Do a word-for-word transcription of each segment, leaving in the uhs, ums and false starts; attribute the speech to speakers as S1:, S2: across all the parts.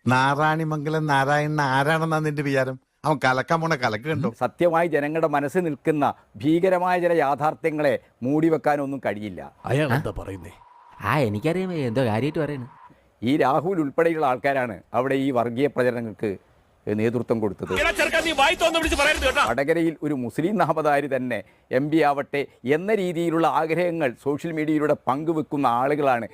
S1: നാരായണിമംഗലം നാരായണൻ ആരാണെന്നാ നിന്റെ വിചാരം? അവൻ കലക്കാൻ പോണ കലക്ക് കണ്ടോ?
S2: സത്യമായി ജനങ്ങളുടെ മനസ്സിൽ നിൽക്കുന്ന ഭീകരമായ ചില യാഥാർത്ഥ്യങ്ങളെ മൂടിവെക്കാനൊന്നും കഴിയില്ല.
S3: അയാൾ എന്താ പറയുന്നേ?
S4: ആ എനിക്കറിയാം എന്തോ കാര്യമായിട്ട് പറയുന്നു.
S2: ഈ രാഹുൽ ഉൾപ്പെടെയുള്ള ആൾക്കാരാണ് അവിടെ ഈ വർഗീയ പ്രചരണങ്ങൾക്ക് നേതൃത്വം കൊടുത്തത്. വടകരയിൽ ഒരു മുസ്ലിം നാമധാരി തന്നെ എം പി ആവട്ടെ എന്ന രീതിയിലുള്ള ആഗ്രഹങ്ങൾ സോഷ്യൽ മീഡിയയിലൂടെ പങ്കുവെക്കുന്ന ആളുകളാണ്.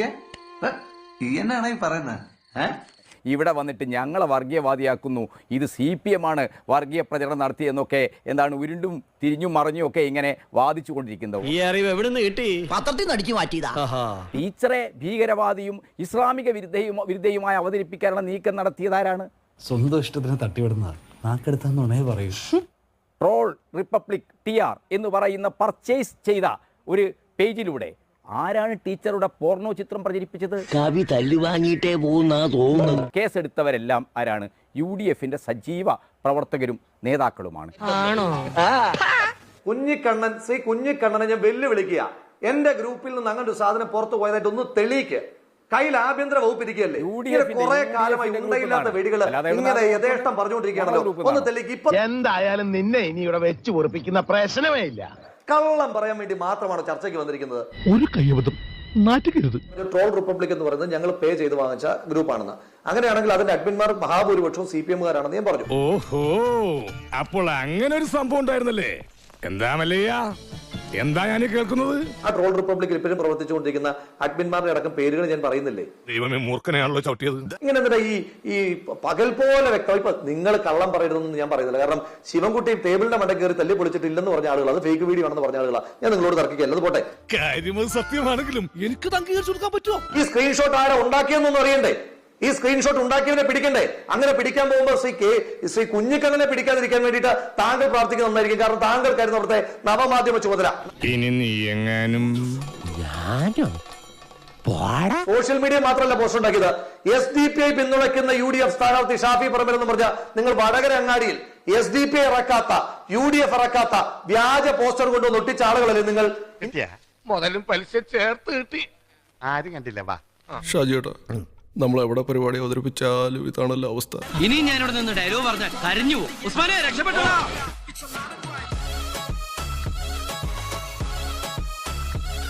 S2: ഇവിടെ വന്നിട്ട് ഞങ്ങളെ വർഗീയവാദിയാക്കുന്നു, ഇത് സി പി എം ആണ് വർഗീയ പ്രചരണം നടത്തിയെന്നൊക്കെ എന്താണ് ഉരുണ്ടും തിരിഞ്ഞും മറിഞ്ഞും ഒക്കെ ഇങ്ങനെ വാദിച്ചു കൊണ്ടിരിക്കുന്നത്.
S3: ഈ അറിവ് എവിടെ നിന്ന് കിട്ടി?
S5: പത്രത്തിൽ നിന്ന് അടിച്ചു മാറ്റിയതാ.
S2: ടീച്ചറെ ഭീകരവാദിയും ഇസ്ലാമിക വിരുദ്ധയും വിരുദ്ധയുമായി അവതരിപ്പിക്കാനുള്ള നീക്കം നടത്തിയതാരാണ്?
S6: സ്വന്തം ഇഷ്ടത്തിന് തട്ടിവിടുന്ന നാക്കെടുത്താന്നുണേ പറയൂ.
S2: ട്രോൾ റിപ്പബ്ലിക് ടി ആർ എന്ന് പറയുന്ന പർച്ചേസ് ചെയ്ത ഒരു പേജിലൂടെ ആരാണ് ടീച്ചറുടെ പോർണോ ചിത്രം പ്രചരിപ്പിച്ചത്?
S5: കവി തല്ലു വാങ്ങിയിട്ടേ പോകുന്ന തോന്നുന്നു.
S2: കേസെടുത്തവരെല്ലാം ആരാണ്? യു ഡി എഫിന്റെ സജീവ പ്രവർത്തകരും നേതാക്കളുമാണ്.
S7: കുഞ്ഞിക്കണ്ണൻ ശ്രീ കുഞ്ഞിക്കണ്ണനെ ഞാൻ വെല്ലുവിളിക്കുക, എന്റെ ഗ്രൂപ്പിൽ നിന്ന് അങ്ങനെ ഒരു സാധനം പുറത്തു പോയതായിട്ട് ഒന്ന് തെളിയിക്ക്. കയ്യിൽ ആഭ്യന്തര വകുപ്പ് ഇരിക്കുകയല്ലേ? കുറെ കാലമായി ഉണ്ടയില്ലാത്ത വെടികള് ഇങ്ങനെ യഥേഷ്ടം പറഞ്ഞുകൊണ്ടിരിക്കുകയാണല്ലോ, ഒന്ന് തെളിയിക്ക്. ഇപ്പൊ
S8: എന്തായാലും നിന്നെ ഇനി ഇവിടെ വെച്ച് പൊറിപ്പിക്കുന്ന പ്രശ്നമേ ഇല്ല.
S7: കള്ളം പറയാൻ വേണ്ടി മാത്രമാണ് ചർച്ചയ്ക്ക് വന്നിരിക്കുന്നത്.
S8: ഒരു കയ്യബദ്ധം നാറ്റുകരുത്.
S7: ട്രോൾ റിപ്പബ്ലിക് എന്ന് പറയുന്നത് ഞങ്ങൾ പേ ചെയ്ത് വാങ്ങിച്ച ഗ്രൂപ്പാണെന്ന്. അങ്ങനെയാണെങ്കിൽ അതിന്റെ അഡ്മിന്മാർ മഹാഭൂരിപക്ഷവും സി പി എമ്മുകാരാണെന്ന് ഞാൻ പറഞ്ഞു.
S9: ഓഹോ, അപ്പോൾ അങ്ങനെ ഒരു സംഭവം ഉണ്ടായിരുന്നല്ലേ? എന്താ മല്ലയ്യ, എന്താ ഞാൻ കേൾക്കുന്നത്?
S7: ആ ട്രോൾ റിപ്പബ്ലിക്കിൽ ഇപ്പോഴും പ്രവർത്തിച്ചുകൊണ്ടിരിക്കുന്ന അഡ്മിന്മാരുടെ അടക്കം പേരുകൾ ഞാൻ പറയുന്നില്ലേ?
S9: ദൈവമേ, മൂർഖനെയാണല്ലോ ചവിട്ടിയത്.
S7: ഇങ്ങനെ എന്താ ഈ ഈ പകൽ പോലെ വ്യക്തം. ഇപ്പൊ നിങ്ങൾ കള്ളം പറയരുതെന്ന് ഞാൻ പറയുന്നില്ല. കാരണം ശിവൻകുട്ടി ടേബിളിന്റെ മണ്ട കയറി തല്ലി പൊളിച്ചിട്ടില്ലെന്ന് പറഞ്ഞ ആളുകൾ, അത് ഫേക്ക് വീഡിയോ ആണെന്ന് പറഞ്ഞ ആളുകളാണ്. ഞാൻ നിങ്ങളോട് തർക്കിക്കല്ല, അത് പോട്ടെ.
S9: കാര്യം സത്യമാണെങ്കിലും എനിക്ക് അംഗീകരിച്ചു കൊടുക്കാൻ പറ്റുമോ?
S7: ഈ സ്ക്രീൻഷോട്ട് ആരാ ഉണ്ടാക്കിയെന്നൊന്നും അറിയണ്ടേ? ഈ സ്ക്രീൻഷോട്ട് ഉണ്ടാക്കിയവനെ പിടിക്കണ്ടേ? അങ്ങനെ പിടിക്കാൻ പോകുമ്പോൾ ശ്രീ കെ ശ്രീ കുഞ്ഞിക്കണ്ണനെ പിടിക്കാതിരിക്കാൻ വേണ്ടിയിട്ട് താങ്കൾ പ്രാർത്ഥിക്കുന്നുണ്ടായിരിക്കും. കാരണം താങ്കൾക്കായിരുന്നു അവിടുത്തെ നവമാധ്യമ ചുമതല.
S9: ഇനി നീ എങ്ങാനും
S7: സോഷ്യൽ മീഡിയ മാത്രമല്ല പോസ്റ്റ് ഉണ്ടാക്കിയത്. എസ് ഡി പി ഐ പിന്തുണയ്ക്കുന്ന യു ഡി എഫ് സ്ഥാനാർത്ഥി ഷാഫി പറമ്പിൽ എന്ന് പറഞ്ഞ നിങ്ങൾ വടകര അങ്ങാടിയിൽ എസ് ഡി പി ഐ ഇറക്കാത്ത, യു ഡി എഫ് ഇറക്കാത്ത വ്യാജ പോസ്റ്റർ കൊണ്ടുവന്ന് ഒട്ടിച്ച ആളുകളല്ലേ നിങ്ങൾ?
S8: മുതലും പലിശ ചേർത്ത് കിട്ടി. ആരും കണ്ടില്ല. വാ
S10: ഷാജിയേട്ടാ, നമ്മൾ എവിടെ പരിപാടി അവതരിപ്പിച്ചാലും ഇതാണല്ലോ അവസ്ഥ.
S5: ഇനി ഞാനിവിടെ നിന്ന് ഡയലോഗ് പറഞ്ഞാൽ കരഞ്ഞു പോകും. ഉസ്മാനെ രക്ഷപ്പെട്ടോ.